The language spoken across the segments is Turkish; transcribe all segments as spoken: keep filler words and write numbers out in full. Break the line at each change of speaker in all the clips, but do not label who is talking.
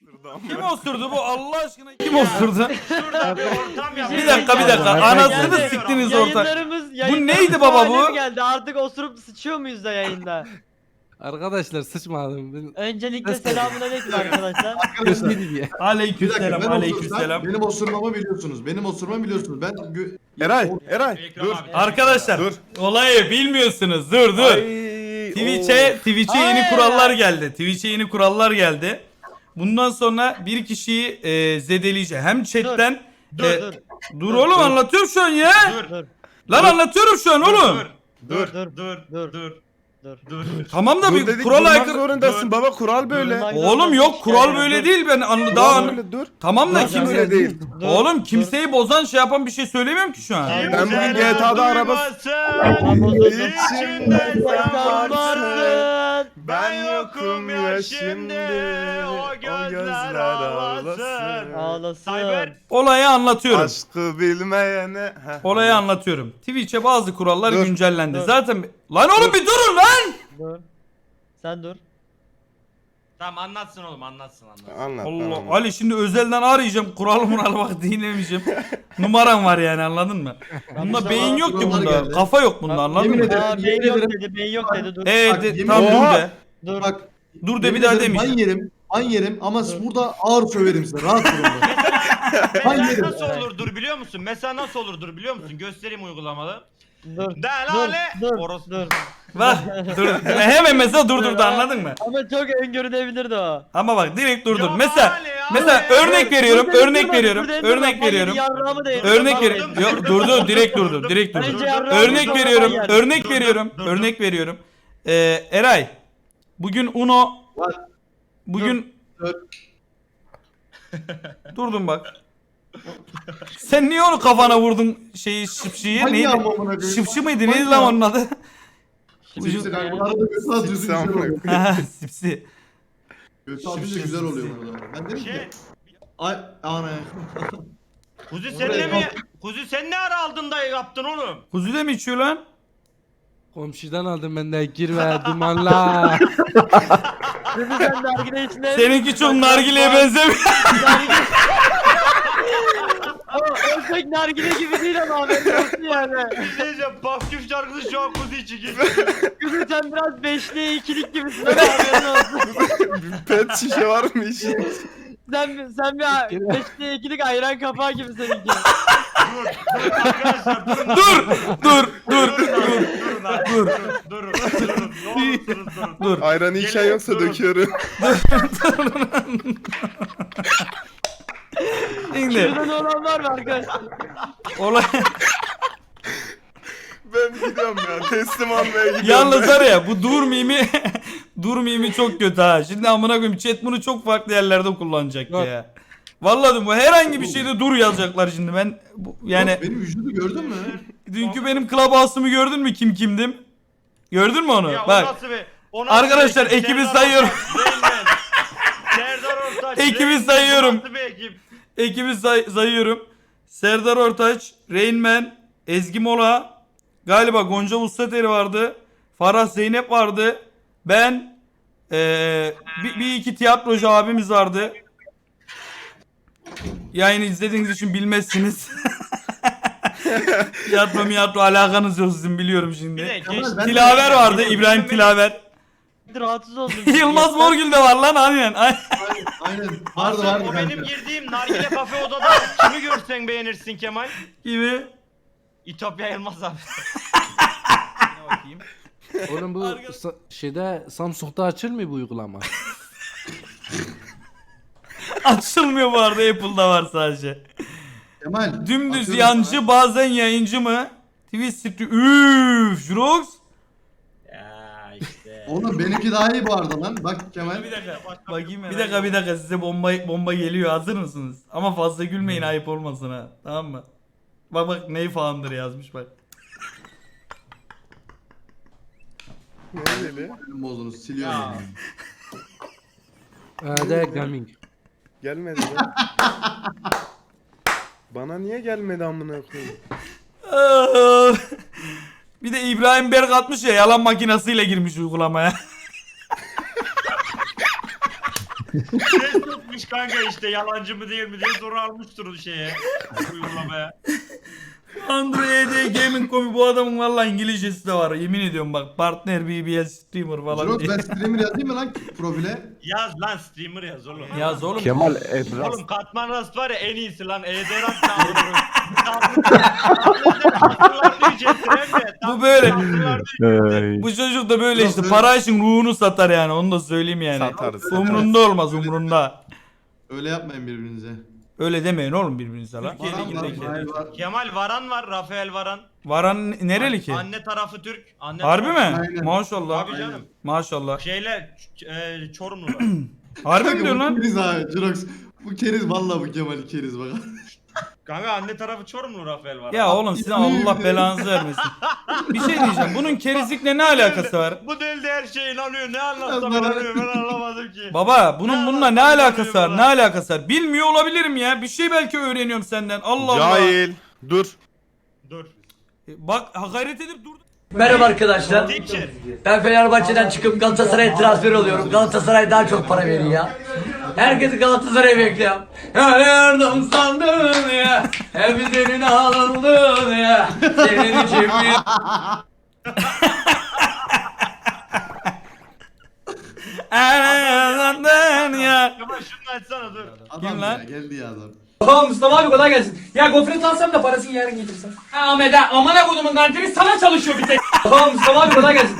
Kim osurdu bu Allah aşkına kim osurdu?
Şurada bir ortam yap.
Bir dakika bir dakika anasını siktiniz ortak.
Yayınlarımız,
Bu neydi baba bu?
geldi. Artık osurup sıçıyor muyuz da yayında?
Arkadaşlar sıçmadım. Ben
Öncelikle selamünaleyküm arkadaşlar.
göstereyim ya.
Bir dakika,
Aleykümselam
ben
aleykümselam.
osursam benim osurmamı biliyorsunuz. Benim osurmamı biliyorsunuz. Ben gö-
Eray, Eray,
Ekrem
dur.
abi.
Arkadaşlar
Dur.
olayı bilmiyorsunuz dur dur.
Ay,
Twitch'e Twitch'e yeni
Ay.
kurallar geldi. Twitch'e yeni kurallar geldi. Bundan sonra bir kişiyi e, zedeleyecek. Hem chatten
Dur
e,
dur
dur oğlum anlatıyorum şu an ya.
Dur.
dur.
Lan anlatıyorum şu an oğlum.
Dur.
Dur
Dur.
dur
Dur.
dur.
Dur.
Tamam da
Dur
bir
dedik,
kural
durmak
aykırı.
zorundasın baba, kural böyle.
Durmak
Oğlum
zorundasın,
yok kural
işte.
böyle
Dur.
değil ben anla daha
Kural
anla-
böyle, dur.
Tamam da
Dur,
kimse
öyle değil.
Dur,
Oğlum
dur.
kimseyi bozan şey yapan bir şey söylemiyorum ki şu an.
Ben bugün G T A'da araba...
Tamam, bozuldu.
İçimde sen varsın.
Varsın.
Ben yokum ya şimdi. O gözler ağlasın.
Ağlasın.
Cyber.
Olayı anlatıyorum.
Aşkı bilmeyene. Heh.
Olayı anlatıyorum. Twitch'e bazı kurallar
Dur.
güncellendi.
Dur.
Zaten lan oğlum bir durun lan.
Dur. Sen dur.
Tamam anlatsın oğlum anlatsın anlatsın.
Anlat.
Allah
anlat.
Ali şimdi özelden arayacağım. Kural mural bak dinlemeyeceğim. Numaram var yani anladın mı? Bunda
işte
beyin
bana
yok ki
kurallar
bunda.
geldi.
Kafa yok bunda anladın
yemin
mı?
ederim.
Aa, beyin
yemin
yok
ederim.
dedi, beyin yok dedi. Dur.
Ee
Bak,
de,
yemin
tam dur
ederim-
de.
Dur.
Bak
Dur de
yemin
bir daha
ederim
demeyeceğim.
Ben yerim. Ben yerim ama burada ağır söverim size. Rahat durun.
Mesela
yedim.
nasıl olurdur biliyor musun? Mesela nasıl olurdur biliyor musun? Göstereyim uygulamalı.
Dur.
Delale.
Dur. Dur.
Orası.
Dur.
Bak dur. Hemen mesela durdurdu anladın mı?
Ama çok öngörülebilirdi o.
Ama bak direkt durdur.
Ya
Mesela
Ali, Ali.
mesela örnek veriyorum,
Dur,
örnek
dur,
veriyorum,
dur, dur, dur,
örnek
dur,
veriyorum.
yarrağımı da yedim.
Örnek
Bak,
veriyorum.
Durdum,
Yok
durdum,
durdu, direkt
durdum,
durdu, direkt
durdum.
durdu.
Bence yarrağımı
Örnek
zorla
veriyorum,
yer.
örnek
Durdum,
veriyorum,
durdum.
örnek veriyorum. Ee, Eray, bugün Uno, bugün
Dur.
durdum bak. Sen niye onu kafana vurdun şeyi şıpşıyı?
Hangi
Neydi?
amına koyayım?
Şıpşı mıydı?
Hangi
Neydi lan onun adı?
Sipsi kanka. Bu arada götü atınca
Sipsi
güzel
amına
oluyor.
Ha, Sipsi.
Götü atınca güzel oluyor bu arada. Ben dedim
Şey.
ki. Ay ana.
Kuzi sen ne mi? Kuzi sen ne ara aldın da yaptın oğlum?
Kuzu da mı içiyor lan?
Komşudan aldım ben de girme dumanla.
Dedi sen nargile içine.
Seninki çok nargileye benzemiyor.
Ama o pek nargile gibi değil ama haberin olsun yani.
Bir şey diyeceğim. Baküf şarkısı şu an Kuzi için geçiyor.
Kızım sen biraz beşliğe ikilik gibisin ama haberin olsun.
Pet şişe var mı işin?
Sen, sen bir beşliğe ikilik ayran kapağı gibi seninki.
Dur. Dur arkadaşlar durun. lan.
Dur, dur, dur,
Durun
dur,
lan, Durun. lan, Durun. Durun. Durun. Ne olursunuz durun.
dur.
Ayranı içen
Gelin,
yoksa
durun.
döküyorum.
Şimdi
Şurada ne olan var mı arkadaşlar?
olay
Ben gidiyorum ya, teslim almaya gidiyorum.
yalnız
ben.
var ya bu dur mimi dur mimi çok kötü ha. Şimdi amına koyayım chat bunu çok farklı yerlerde kullanacak
Yok.
ya. Vallahi diyorum, bu herhangi bir şeyde dur yazacaklar şimdi ben bu, yani
Yok, benim vücudu gördün mü?
dünkü benim clubhouse'umu gördün mü kim kimdim? Gördün mü onu?
Ya o
Bak
nasıl bir... o nasıl
Arkadaşlar,
bir ekip?
ekibi
Serdar
sayıyorum.
Ortaç, Reynmen, Serdar Ortaç.
Ekibi
Reynmen,
sayıyorum.
bu nasıl bir ekip?
ekibi say- sayıyorum. Serdar Ortaç, Reynmen, Ezgi Mola, galiba Gonca Ustateri vardı. Farah Zeynep vardı. Ben ee, bir, bir iki tiyatrocu abimiz vardı. Yayını izlediğiniz için bilmezsiniz. Tiyatro miyatro alakanız yok sizin biliyorum
Bir de
şimdi.
geç.
Kemal, ben-
Tilaver vardı, İbrahim Tilaver.
Rahatsız oldum.
Yılmaz Morgül de var lan aynen. aynen.
Aynen. Vardı
Sen
vardı
o
kanka.
benim girdiğim nargile kafe odada kimi görsen beğenirsin Kemal.
Gibi.
İtopya Yılmaz abi. Ne bakayım?
Oğlum bu sa- şeyde Samsung'da açılmıyor bu uygulama.
Açılmıyor bu arada, Apple'da var sadece.
Kemal.
Dümdüz
atıyorum
yancı
sana.
bazen yayıncı mı? Twitch stream. Üf, Jrox.
Ya işte.
Oğlum benimki daha iyi bu arada lan. Bak Kemal.
Bir dakika. Bakayım bir dakika bir dakika size bomba bomba geliyor, hazır mısınız? Ama fazla gülmeyin, ayıp olmasın ha. Tamam mı? Bak bak ney falandır yazmış bak.
Ne dedi?
Benim bozdunuz. Siliyorum.
Ya.
yani.
Hadi gaming.
Gelmedi lan. Bana niye gelmedi amına koyayım?
Bir de İbrahim Berk atmış ya, yalan makinesiyle girmiş uygulamaya.
Şey tutmuş kanka işte yalancı mı değil mi diye soru almıştır o şeye. Uygulamaya.
Android Gaming Komi bu adamın valla İngilizcesi de var. Yemin ediyorum bak. Partner B B S streamer falan
Jirox
diye.
ben streamer yazayım mı lan profile?
Yaz lan streamer yaz oğlum.
Yaz oğlum.
Kemal Ebras.
Oğlum Katman Rast var ya en iyisi lan. Ederat çağırıyor.
Bu böyle.
Ay.
Bu çocuk da böyle
Yok,
işte
öyle-
para için ruhunu satar yani onu da söyleyeyim yani.
Satarız, satarız.
Umrunda olmaz umrunda.
Öyle yapmayın birbirinize.
Öyle demeyin oğlum birbirinize lan.
Varan var,
Ligindeki.
Varan var.
Kemal Varan var. Rafael Varan.
Varan nereli ki?
Anne tarafı Türk. Anne
Harbi mi?
tarafı-
Aynen.
Maşallah.
Tabii canım.
Maşallah.
Şeyle ç- e, Çorumlular.
Harbi mi
Kanka,
diyorsun
bu
lan?
Keriz abi Jirox. Bu keriz valla bu Kemal'i keriz bak.
Kanka anne tarafı Çorumlu Rafael Varan.
Ya oğlum sizin Allah belanızı vermesin. Bir şey diyeceğim. Bunun kerizlikle ne alakası var?
Bu dilde her şeye inanıyor. Ne anlatsam
Bana-
inanıyor. Ben anlamadım ki.
Baba bunun
Ne
bununla ne
alakası
alakası var?
var
Ne alakası var? Bilmiyor olabilirim ya. Bir şey belki öğreniyorum senden. Allah Allah.
Cahil. Dur.
Dur.
E, Bak hakaret edip dur.
Merhaba arkadaşlar.
Teacher.
Ben Fenerbahçe'den çıkıp Galatasaray'a transfer oluyorum. Galatasaray daha çok para veriyor ya. Herkesi Galatasaray'a bekliyorum. Her yardım sandın ya. Hep senin alındın ya. Senin için mi?
Anladın ya.
Kemal şunu açsana dur.
Adam
Kim
ya
lan?
geldi ya adam.
Tamam Mustafa abi kolay gelsin. Ya gofret alsam da parasını yarın getirsen. Ha Ahmet ha amına kodumun kantini sana çalışıyor bir tek. Tamam Mustafa abi kolay gelsin.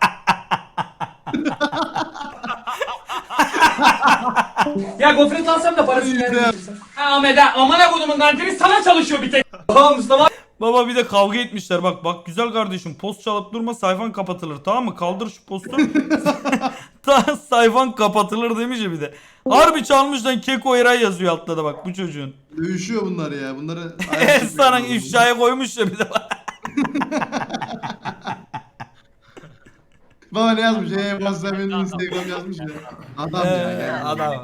Ya gofret alsam da parasını yarın getirsen. Ha Ahmet ha amına kodumun kantini sana çalışıyor bir tek. Tamam Mustafa abi.
Baba bir de kavga etmişler. Bak bak güzel kardeşim post çalıp durma sayfan kapatılır tamam mı? Kaldır şu postu. Ta sayfan kapatılır demiş ya bir de. Harbi çalmış lan Keko Eray yazıyor altta da bak bu çocuğun.
Dövüşüyor bunlar ya. Bunları
Sana ifşaya koymuş ya bir de bak.
Baba ne yazmış? Eee WhatsApp benim Instagram yazmış ya. Adam ya
Ee,
geldi.
adam.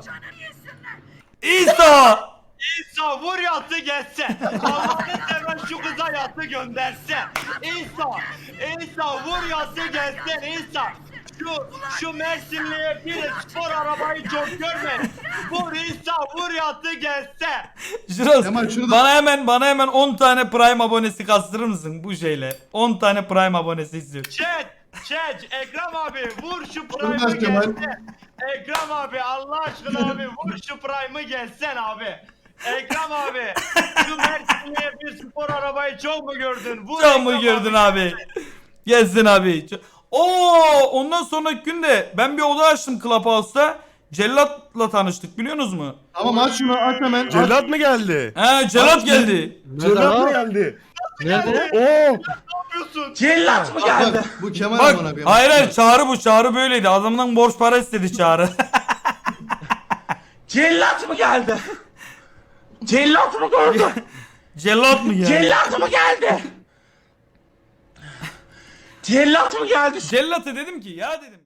İsa!
İsa vur yatı geçse. Allah'ını seven şu kıza yatı gönderse. İsa, İsa vur yatı geçse. İsa. Şu, şu Mersinli'ye bir spor arabayı çok görmeyin. Vur İsa vur yatı geçse.
Jiroz
Kemal şunu da-
bana hemen bana hemen on tane Prime abonesi kastırır mısın bu şeyle? on tane Prime abonesi istiyorum.
Chat, chat, Ekrem abi vur şu
Dur
Prime'ı
Kemal.
geçse. Ekrem abi Allah aşkına abi vur şu Prime'ı geçsen abi. Ekrem abi şu Mersinli'ye bir spor arabayı çok mu gördün? Vur
Çok mu
Ekrem
gördün abi? Gelsin abi. Oo, ondan sonraki günde ben bir oda açtım Clubhouse'da. Cellat'la tanıştık biliyorsunuz mu?
Tamam aç şunu aç hemen. Aç.
Cellat mı geldi?
He Cellat geldi.
Cellat mı geldi?
Nerede?
Oo.
yapıyorsun?
Cellat mı
Bak,
geldi?
bak, bu Kemal
Bak
amına koyayım.
hayır hayır Çağrı bu Çağrı böyleydi. Adamdan borç para istedi Çağrı.
Cellat mı geldi? Cellat mı gördü?
Cellat mı geldi?
Cellat mı geldi? Cellat mı geldi?
Cellat'a dedim ki ya dedim.